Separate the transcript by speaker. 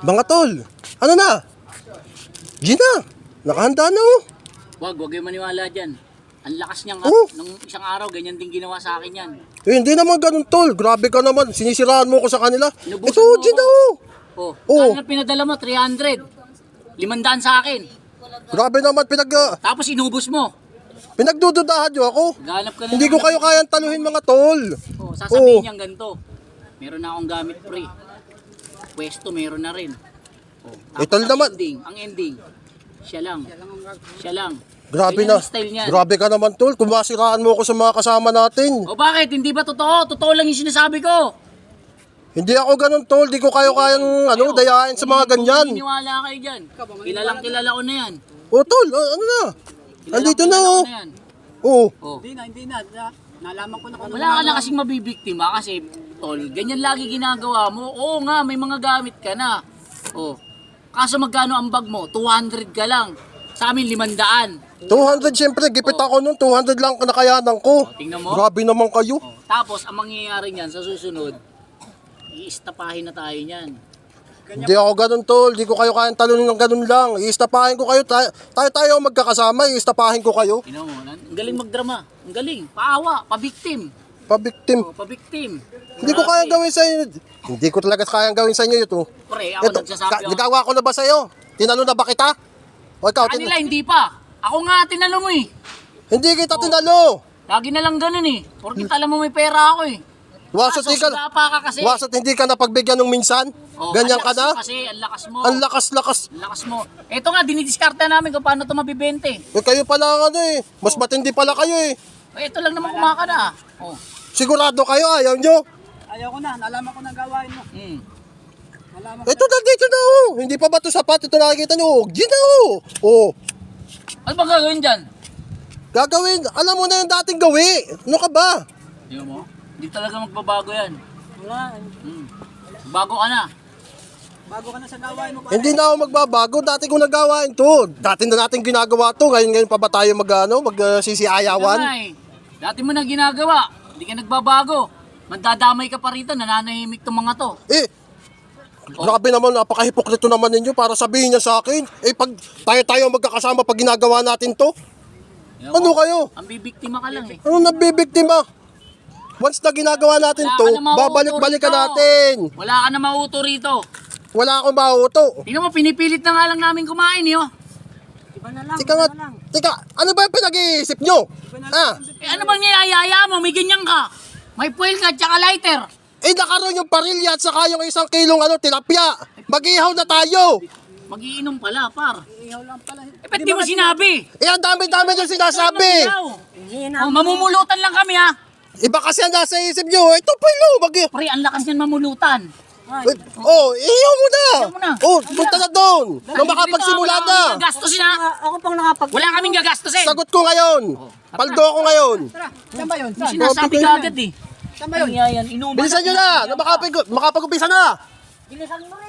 Speaker 1: Mga tol, ano na? Gina, nakahanda na oh.
Speaker 2: Wag kayong maniwala dyan. Ang lakas niyang
Speaker 1: Oh.
Speaker 2: nung isang araw, ganyan din ginawa sa akin yan.
Speaker 1: Eh, hindi naman ganun tol, grabe ka naman, sinisiraan mo ko sa kanila.
Speaker 2: Inubusan
Speaker 1: Ito,
Speaker 2: mo
Speaker 1: Gina
Speaker 2: ako.
Speaker 1: oh.
Speaker 2: Oh,
Speaker 1: Oh.
Speaker 2: kaya pinadala mo, 300. 500 sa akin.
Speaker 1: Grabe naman,
Speaker 2: Tapos inubos mo.
Speaker 1: pinagdududahan nyo ako.
Speaker 2: Ganap ka na
Speaker 1: Hindi ko
Speaker 2: naman.
Speaker 1: kayo kayang taluhin mga tol.
Speaker 2: Oh, sasabihin
Speaker 1: Oh.
Speaker 2: niyang ganito. Meron na akong gamit pre. Pwesto meron na rin. Oh,
Speaker 1: Ito naman.
Speaker 2: ang ending. Siya lang.
Speaker 1: Grabe
Speaker 2: Ganyan
Speaker 1: na,
Speaker 2: ang style niyan.
Speaker 1: grabe ka naman tol, kung masiraan mo ako sa mga kasama natin.
Speaker 2: O bakit? Hindi ba totoo? Totoo lang yung sinasabi ko.
Speaker 1: Hindi ako ganun tol, di ko kayo kayang dayain sa mga ganyan.
Speaker 2: Maniniwala kayo dyan. Kilala ko na yan.
Speaker 1: Oh tol, ano na? Andito na oh.
Speaker 2: Yan.
Speaker 1: Oh.
Speaker 2: Oh.
Speaker 3: Hindi na. Nalaman ko na kung
Speaker 2: Wala ka na kasing mabibiktima kasi, tol, ganyan lagi ginagawa mo. Oo nga, may mga gamit ka na. Oh. Kaso magkano ang bag mo? 200 ka lang. Sa amin, 500.
Speaker 1: 200 syempre, gipit ako nun, 200 lang nakayanan ko.
Speaker 2: Tingnan mo.
Speaker 1: Grabe naman kayo.
Speaker 2: Oh. Tapos, ang mangyayari niyan sa susunod, iistapahin na tayo niyan.
Speaker 1: Hindi ako ganun tol, di ko kayo kayang talunin ng ganun lang. Iistapahin ko kayo, tayo magkakasama, iistapahin ko kayo.
Speaker 2: Tingnan mo, ang galing magdrama. Ang galing. Paawa, pabiktim.
Speaker 1: Pabiktim.
Speaker 2: Oh, pabiktim.
Speaker 1: Hindi ko kayang gawin sa inyo. Hindi ko talaga kayang gawin sa inyo ito.
Speaker 2: Pre, ako nagsasabi ako.
Speaker 1: Nagawa ko na ba sa iyo? Tinalo na ba kita? O ikaw,
Speaker 2: Kanila, hindi pa. Ako nga, tinalo mo eh.
Speaker 1: hindi kita tinalo.
Speaker 2: Lagi na lang ganun eh. Porkit alam mo may pera ako eh.
Speaker 1: Wasot
Speaker 2: Kaso,
Speaker 1: hindi ka,
Speaker 2: sudapa ka kasi.
Speaker 1: wasot hindi ka napagbigyan ng minsan?
Speaker 2: Oh,
Speaker 1: Ganyan
Speaker 2: ang
Speaker 1: ka
Speaker 2: lakas
Speaker 1: na?
Speaker 2: mo Kasi ang lakas mo.
Speaker 1: Ang lakas-lakas.
Speaker 2: Ang lakas mo. Ito nga, dinidiskarta namin kung paano ito mabibente.
Speaker 1: Eh, kayo pala ang ano eh. Mas matindi pala kayo eh.
Speaker 2: Ito lang naman kumaka na. Oh.
Speaker 1: Sigurado kayo, ayaw nyo.
Speaker 3: ayaw ko na. Nalaman ko na gawain mo.
Speaker 2: Mm.
Speaker 3: Nalaman ko.
Speaker 1: Ito na, dito na oh. Hindi pa ba ito sapat? Ito nakikita nyo. Gina oh. Oh.
Speaker 2: Ano ba gagawin dyan?
Speaker 1: Gagawin. Alam mo na yung dating gawi. Ano ka ba?
Speaker 2: Tingnan mo. Hindi talaga magbabago yan.
Speaker 3: Wala.
Speaker 2: Mm. Bago ka na.
Speaker 3: Bago ka na sa gawain mo.
Speaker 1: Hindi na ako magbabago. Dati ko nagawain to. Dati na natin ginagawa to. Ngayon pa ba tayo magsisiayawan?
Speaker 2: Damay. Dati mo na ginagawa. Hindi ka nagbabago. Mandadamay ka pa rito. Nananahimik tong mga to.
Speaker 1: Eh, grabe naman, napaka-hipokrito naman ninyo para sabihin niya sa akin. Eh, pag tayo magkakasama pag ginagawa natin to,
Speaker 2: Tingnan
Speaker 1: ano
Speaker 2: mo.
Speaker 1: kayo?
Speaker 2: Ang bibiktima ka lang eh.
Speaker 1: Ano nabibiktima? Once na ginagawa natin
Speaker 2: Wala
Speaker 1: to,
Speaker 2: ka na mauuto
Speaker 1: babalik-balikan
Speaker 2: rito.
Speaker 1: natin.
Speaker 2: Wala ka na mauto rito.
Speaker 1: Wala akong mauto.
Speaker 2: Tingnan mo, pinipilit na nga lang namin kumain eh, oh.
Speaker 3: Iba na lang.
Speaker 1: Tika nga,
Speaker 3: iba na lang.
Speaker 1: tika, ano ba yung pinag-iisip nyo? Ah,
Speaker 2: Eh, ano bang niyayaya mo? May ganyan ka. May fuel ka, tsaka lighter.
Speaker 1: eh nakaroon yung parilya at saka yung 1 kilong tilapia. Mag-ihaw na tayo.
Speaker 2: Magiinom pala, par.
Speaker 3: Ihaw lang pala.
Speaker 2: Eh, ba't di mo sinabi?
Speaker 1: Eh, ang dami-dami yung sinasabi.
Speaker 2: Oh, mamumulutan lang kami, ha?
Speaker 1: Iba kasi ang nasa isip nyo. Ito pa yun,
Speaker 2: Pre, ang lakas niyan mamulutan.
Speaker 1: Oh, ihaw mo na.
Speaker 2: Ihaw mo na.
Speaker 1: Oh, punta na doon. Nung makapagsimula
Speaker 2: Wala
Speaker 1: na.
Speaker 2: kaming gagastusin, ha?
Speaker 3: Ako pang nakapag...
Speaker 2: Wala kaming gagastusin.
Speaker 1: Sagot ko ngayon. Paldo ako ngayon.
Speaker 3: Tara, saan ba yun?
Speaker 2: Yung
Speaker 3: Saan?
Speaker 2: sinasabi ka agad, eh.
Speaker 3: Saan ba yun?
Speaker 2: Ano yan? Inuman
Speaker 1: Bilisan nyo na. Makapag-upisa na.
Speaker 3: Bilisan mo